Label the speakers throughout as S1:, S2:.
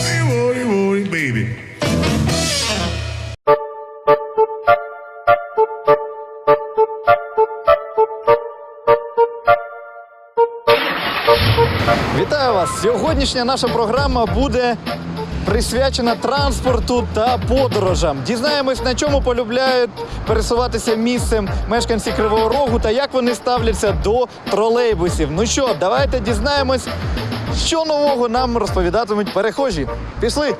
S1: Baby.
S2: Вітаю вас! Сьогоднішня наша програма буде присвячена транспорту та подорожам. Дізнаємось, на чому полюбляють пересуватися місцем мешканці Кривого Рогу та як вони ставляться до тролейбусів. Ну що, давайте дізнаємось, що нового нам розповідатимуть перехожі. Пішли!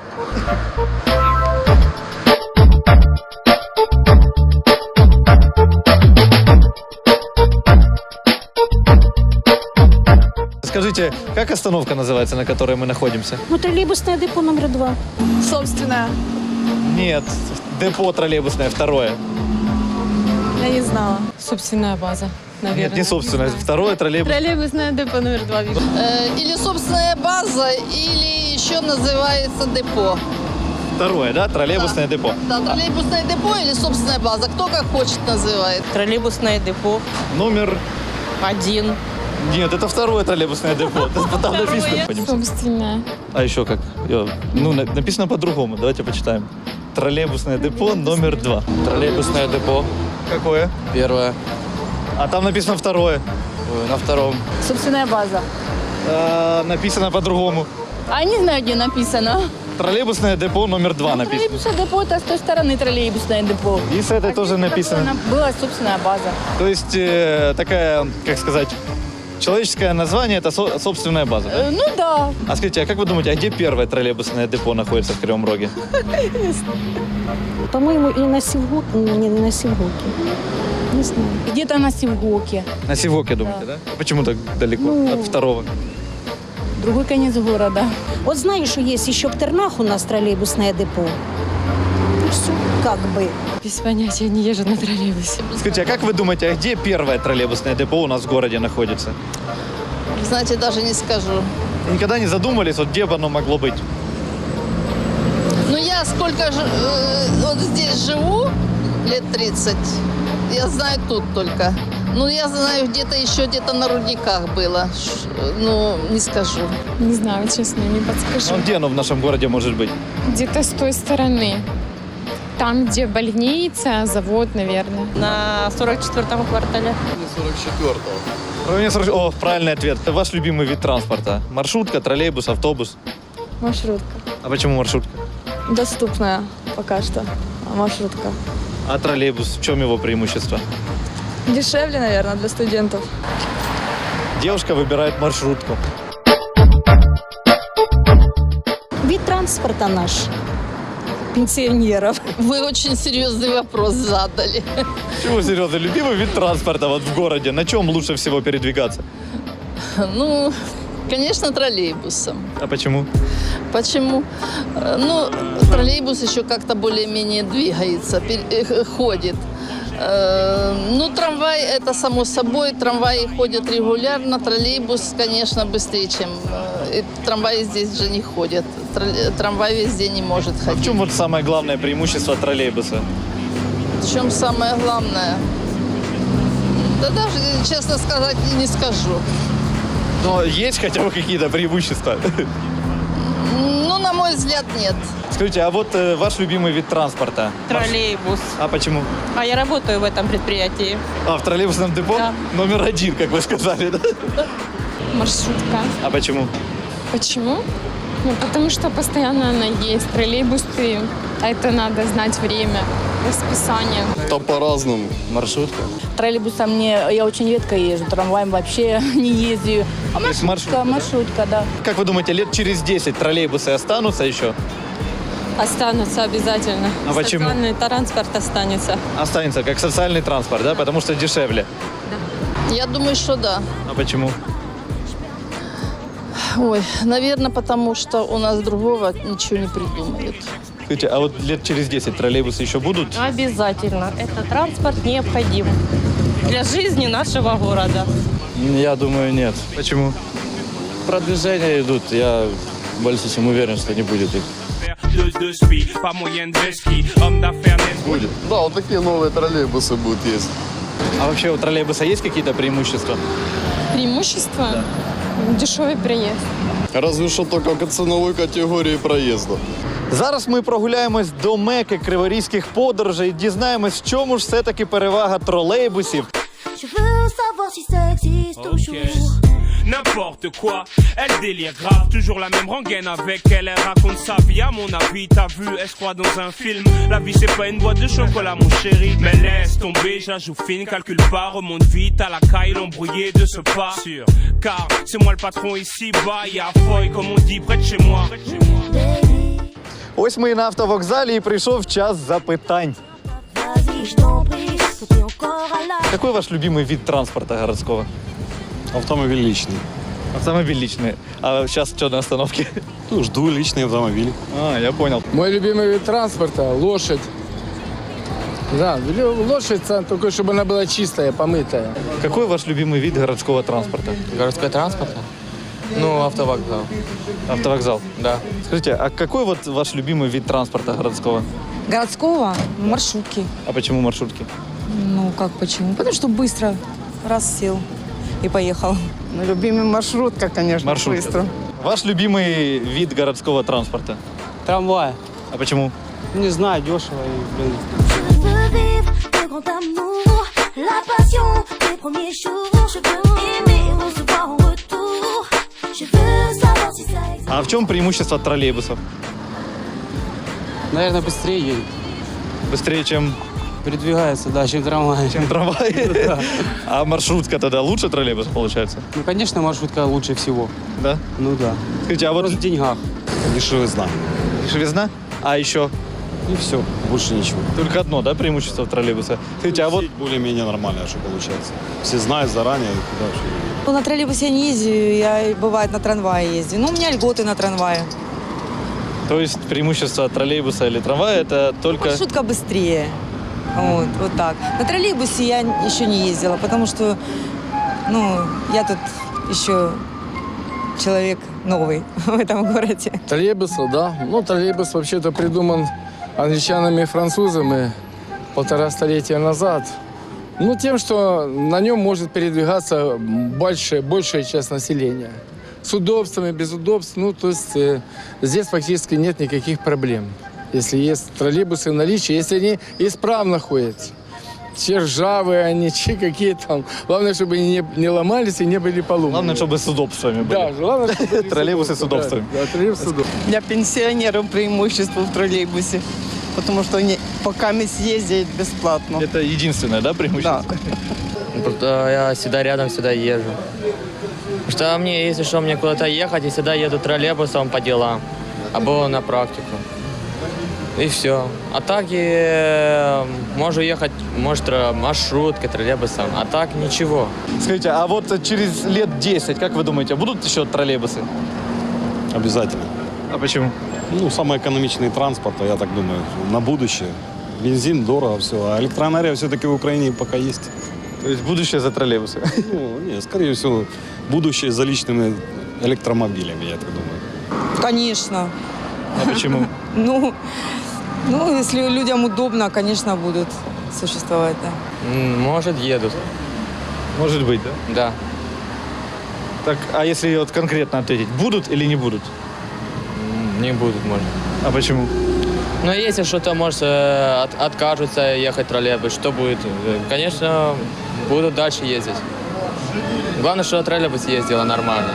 S2: Скажите, как остановка называется, на которой мы находимся?
S3: Ну, троллейбусное депо номер 2.
S4: Собственная.
S2: Нет, депо троллейбусное, второе.
S4: Я не знала.
S5: Собственная база, наверное.
S2: Нет, не собственное, второе троллейбус.
S5: Троллейбусное депо номер 2 вижу.
S4: Или собственная база, или еще называется депо.
S2: Второе, да, троллейбусное депо.
S4: Да, троллейбусное депо или собственная база. Кто как хочет называет.
S5: Троллейбусное депо
S2: Номер...
S5: 1.
S2: Нет, это второе троллейбусное депо. Там написано.
S5: Собственная.
S2: А еще как? Ну, написано по-другому, давайте почитаем. Троллейбусное депо номер 2.
S6: Троллейбусное депо.
S2: Какое?
S6: Первое.
S2: А там написано второе.
S6: На втором.
S4: Собственная база.
S2: Написано по-другому.
S4: А не знаю, где написано.
S2: Троллейбусное депо номер 2 написано.
S4: Троллейбусное депо – это с той стороны троллейбусное депо.
S2: И с этой тоже написано.
S4: Была собственная база.
S2: То есть такая, как сказать, человеческое название – это собственная база, да?
S4: Ну да.
S2: А скажите, а как вы думаете, а где первое троллейбусное депо находится в Кривом Роге?
S3: По-моему, и на Севгоке. Не на Севгоке. Не знаю.
S4: Где-то на Севгоке.
S2: На Сивоке, думаете, да? А почему так далеко от второго?
S4: Другой конец города.
S3: Вот знаешь, что есть еще в Тернах у нас троллейбусное депо? Ну, все, как бы.
S5: Без понятия, не езжу на троллейбусе.
S2: Скажите, а как вы думаете, а где первое троллейбусное депо у нас в городе находится?
S4: Знаете, даже не скажу.
S2: Никогда не задумывались, вот где бы оно могло быть?
S4: Ну, я сколько вот здесь живу, лет 30, я знаю тут только. Ну, я знаю, где-то на рудниках было. Ну, не скажу.
S5: Не знаю, честно, не подскажу.
S2: Ну, где оно в нашем городе может быть?
S5: Где-то с той стороны. Там, где больница, завод, наверное. На 44-му квартале.
S2: В районе 40. О, правильный ответ. Это ваш любимый вид транспорта? Маршрутка, троллейбус, автобус?
S4: Маршрутка.
S2: А почему маршрутка?
S4: Доступная пока что маршрутка.
S2: А троллейбус, в чем его преимущество?
S4: Дешевле, наверное, для студентов.
S2: Девушка выбирает маршрутку.
S3: Вид транспорта наш. Пенсионеров.
S4: Вы очень серьезный вопрос задали.
S2: Чего серьезно? Любимый вид транспорта вот в городе? На чем лучше всего передвигаться?
S4: Ну, конечно, троллейбусом.
S2: А почему?
S4: Почему? Ну, троллейбус еще как-то более-менее двигается, ходит. Ну, трамвай, это само собой, трамваи ходят регулярно, троллейбус, конечно, быстрее, чем... Трамваи здесь же не ходят, трамвай везде не может
S2: А
S4: ходить.
S2: в чем вот самое главное преимущество троллейбуса?
S4: В чем самое главное? Да даже, честно сказать, не скажу.
S2: Но есть хотя бы какие-то преимущества?
S4: Ну, на мой взгляд, нет.
S2: Скажите, а вот ваш любимый вид транспорта?
S5: Троллейбус.
S2: А почему?
S5: А я работаю в этом предприятии.
S2: А, в троллейбусном депо?
S5: Да.
S2: Номер 1, как вы сказали, да?
S5: Маршрутка.
S2: А почему?
S5: Почему? Ну, потому что постоянно она есть. Троллейбусы, а это надо знать время, расписание.
S6: Там по-разному. Маршрутка.
S4: Троллейбусом я очень редко езжу, трамваем вообще не ездию. А
S2: То есть
S4: маршрутка, да.
S2: Как вы думаете, лет через 10 троллейбусы останутся еще?
S5: Останутся обязательно.
S2: А почему?
S5: Социальный транспорт останется.
S2: Останется как социальный транспорт, да? Потому что дешевле.
S4: Я думаю, что да.
S2: А почему?
S4: Ой, наверное, потому что у нас другого ничего не придумают.
S2: Скажите, а вот лет через 10 троллейбусы еще будут?
S5: Обязательно. Этот транспорт необходим для жизни нашего города.
S6: Я думаю, нет.
S2: Почему?
S6: Продвижения идут. Я больше чем уверен, что не будет их.
S7: Будет. Да, вот такие новые троллейбусы будут ездить.
S2: А вообще у троллейбуса есть какие-то преимущества?
S5: Преимущество? Дешевый проезд.
S7: Разве что только к ценовой категории проезда.
S2: Зараз ми прогуляємось до меки криворізьких подорожей і дізнаємось, в чому ж все-таки перевага тролейбусів.
S1: Je veux savoir si ça existe toujours.
S8: N'importe quoi, elle délire grave, toujours la même rengaine avec elle, elle raconte sa vie à mon avis, t'as vu, elle se croit dans un film, la vie c'est pas une boîte de chocolat mon chéri, mais laisse tomber, je la joue fine, calcule pas, remonte vite à la caille, l'embrouillé de ce pas, sûr, car c'est moi le patron ici, bas, y'a Foy comme on dit près de chez moi.
S2: Ось ми і на автовокзалі, і прийшов час запитань.
S1: Vas-y, je t'en prie, faut t'es encore à la...
S2: Какой ваш любимый вид транспорта городского?
S9: Автомобиль личный.
S2: Автомобиль личный. А сейчас что на остановке?
S9: Ну, жду личный автомобиль.
S2: А, я понял.
S10: Мой любимый вид транспорта – лошадь. Да, лошадь, только чтобы она была чистая, помытая.
S2: Какой ваш любимый вид городского транспорта?
S11: Городской транспорт? Ну, автовокзал.
S2: Автовокзал?
S11: Да.
S2: Скажите, а какой вот ваш любимый вид транспорта городского?
S12: Городского? Маршрутки.
S2: А почему маршрутки?
S12: Ну, как почему? Потому что быстро. Раз сел и поехал.
S13: Ну, любимый маршрутка, конечно,
S2: Маршрутка.
S13: быстро.
S2: Ваш любимый вид городского транспорта?
S11: Трамвай.
S2: А почему?
S11: Не знаю, дешево и, блин.
S1: Je veux vivre de grand amour, la passion des premiers jours. Je veux aimer et recevoir en retour. Je veux savoir si ça existe.
S2: А в чем преимущество троллейбусов?
S11: Наверное, быстрее едет.
S2: Быстрее, чем
S11: Передвигается, да, чем трамвай.
S2: трамвай? А маршрутка тогда лучше троллейбуса получается?
S11: Ну, конечно, маршрутка лучше всего.
S2: Да?
S11: Ну да.
S2: Скажите, а вот
S11: Вопрос в деньгах.
S9: Дешевизна.
S2: дешевизна? А еще?
S9: И все, больше ничего.
S2: Только одно, да, преимущество троллейбуса? Скажите, а вот
S9: Сеть более-менее нормальная, что получается. Все знают заранее, куда все.
S12: Ну, на троллейбусе я не езжу, я, бывает, на трамвае ездю. Ну, у меня льготы на трамвае.
S2: то есть преимущество троллейбуса или трамвая это только...
S12: Маршрутка быстрее. Вот так. На троллейбусе я еще не ездила, потому что, ну, я тут еще человек новый в этом городе.
S10: Троллейбусы, да. Ну, троллейбус вообще-то придуман англичанами и французами 1,5 столетия назад. Ну, тем, что на нем может передвигаться большая часть населения. С удобствами, без удобств. Ну, то есть здесь фактически нет никаких проблем. Если есть троллейбусы в наличии, если они исправно ходят. Все ржавые они, какие там. Главное, чтобы они не ломались и не были поломаны.
S2: Главное, чтобы с удобствами были.
S10: Да, главное, чтобы
S2: Троллейбусы с удобствами.
S10: Да, троллейбусы с удобствами.
S13: Для пенсионеров преимущество в троллейбусе, потому что они пока ездят бесплатно.
S2: Это единственное, да, преимущество?
S13: Да.
S11: Просто я всегда рядом, всегда езжу. Потому что мне, если что, мне куда-то ехать, я всегда еду троллейбусом по делам, або на практику. И все. А так и могу ехать, может, маршруткой, троллейбусом, а так ничего.
S2: Скажите, а вот через лет 10, как вы думаете, будут еще троллейбусы?
S9: Обязательно.
S2: А почему?
S9: Ну, самый экономичный транспорт, я так думаю, на будущее. Бензин дорого, все. А электроэнергия все-таки в Украине пока есть.
S2: То есть будущее за троллейбусы?
S9: Ну, нет, скорее всего, будущее за личными электромобилями, я так думаю.
S12: Конечно.
S2: А почему?
S12: Ну, если людям удобно, конечно, будут существовать, да.
S11: Может, едут.
S2: Может быть, да?
S11: Да.
S2: Так, а если вот конкретно ответить, будут или не будут?
S11: Не будут, может.
S2: А почему?
S11: Но если что-то, может, откажутся ехать троллейбус, что будет? Конечно, будут дальше ездить. Главное, что троллейбус ездила нормально.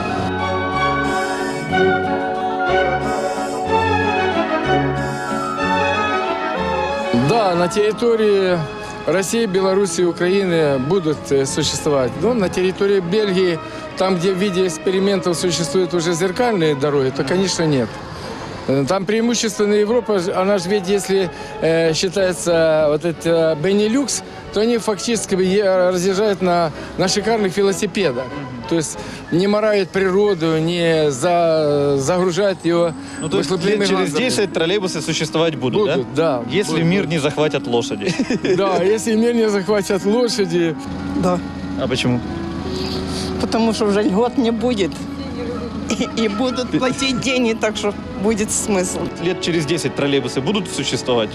S10: Да, на территории России, Беларуси и Украины будут существовать. Но на территории Бельгии, там, где в виде экспериментов существуют уже зеркальные дороги, то, конечно, нет. Там преимущественно Европа, она же ведь, если считается вот это Бенилюкс, то они фактически разъезжают на шикарных велосипедах. То есть не морают природу, не загружают ее.
S2: Ну, то есть лет через 10 троллейбусы существовать будут, да?
S10: Да.
S2: Если
S10: будут.
S2: мир не захватят лошади.
S10: Да, если мир не захватят лошади.
S13: Да.
S2: А почему?
S13: Потому что уже льгот не будет. И будут платить деньги, так что будет смысл.
S2: Лет через 10 троллейбусы будут существовать?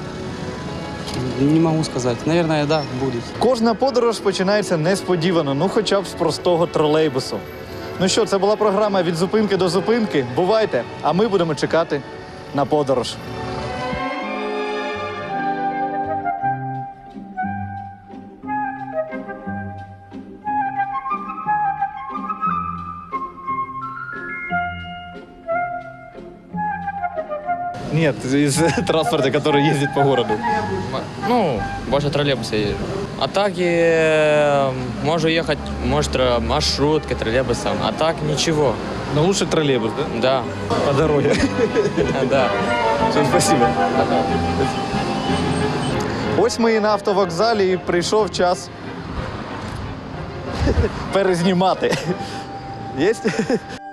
S11: Не могу сказать. Наверное, да, будут.
S2: Кожна подорож починається несподівано, ну хоча б з простого тролейбусу. Ну що, це була програма «Від зупинки до зупинки». Бувайте, а ми будемо чекати на подорож. Нет, из транспорта, который ездит по городу.
S11: Ну, больше троллейбуса езжу. А так можно ехать, может, маршруткой, троллейбусом. А так ничего.
S2: Но лучше троллейбус, да?
S11: Да.
S2: По дороге.
S11: Да.
S2: Все, спасибо. Ось ми і на автовокзалі, і прийшов час перезнімати. Єсть?